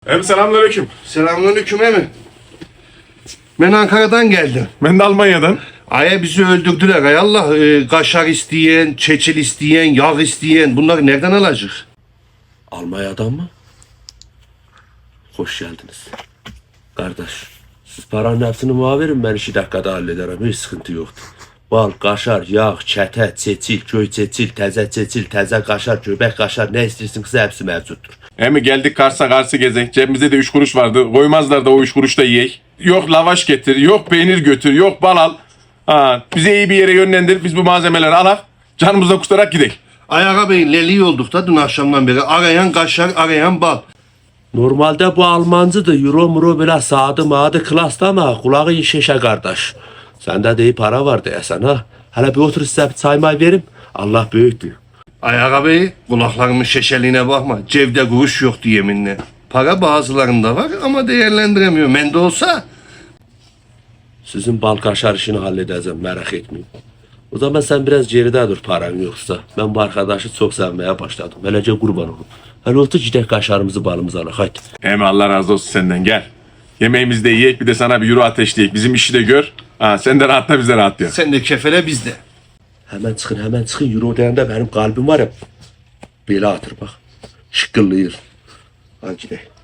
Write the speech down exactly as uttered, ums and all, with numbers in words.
Hem selamünaleyküm. Selamünaleyküm emi. Ben Ankara'dan geldim. Ben de Almanya'dan. Aya bizi öldürdüler. Ay Allah, e, kaşar isteyen, çeçil isteyen, yağ isteyen, bunları nereden alacak? Almanya'dan mı? Hoş geldiniz. Kardeş, siz paranın hepsini bana verin, ben iki dakikada hallederim, hiç sıkıntı yoktur. Bal, kaşar, yağ, çete, çeçil, köy çeçil, teze çeçil, teze kaşar, göbek kaşar, ne istiyorsunuz hepsi mevcuttur. Hem geldik Kars'a Kars'ı gezek. Cebimizde de üç kuruş vardı. Koymazlar da o üç kuruş da yiyek. Yok lavaş getir, yok peynir götür, yok bal al. Ha, bize iyi bir yere yönlendir. Biz bu malzemeleri alak. Canımızdan kutarak gidelim. Ay Ağa Bey, leli olduk da dün akşamdan beri. Arayan kaşar, arayan bal. Normalde bu Almancıdır, euro muro bile sağdı mağdı klasta ama kulağı iyi şişe kardeş. Sende de iyi para var diyesen ha. Hele bir otur size bir çay may verim. Allah büyüktür. Ay Ağa Bey, kulaklarımın şeşeliğine bakma. Cevde kuruş yoktu yeminle. Para bazılarında var ama değerlendiremiyor. Bende olsa... Sizin bal kaşar işini halledeceğim, merak etmeyin. O zaman sen biraz geride dur paran yoksa. Ben bu arkadaşı çok sevmeye başladım. Böylece kurban olun. Hele otur gidelim kaşarımızı balımızı alak hadi. Hem Allah razı olsun senden, gel. Yemeğimizi de yiyek, bir de sana bir euro ateşleyek. Bizim işi de gör. Ha, sen de rahatla, biz de rahatlayalım. Sen de kefele bizde. Hemen çıkın hemen çıkın. Euro deyende benim kalbim var ya. Böyle atır bak. Şıkkıllıyır. Hadi gidelim.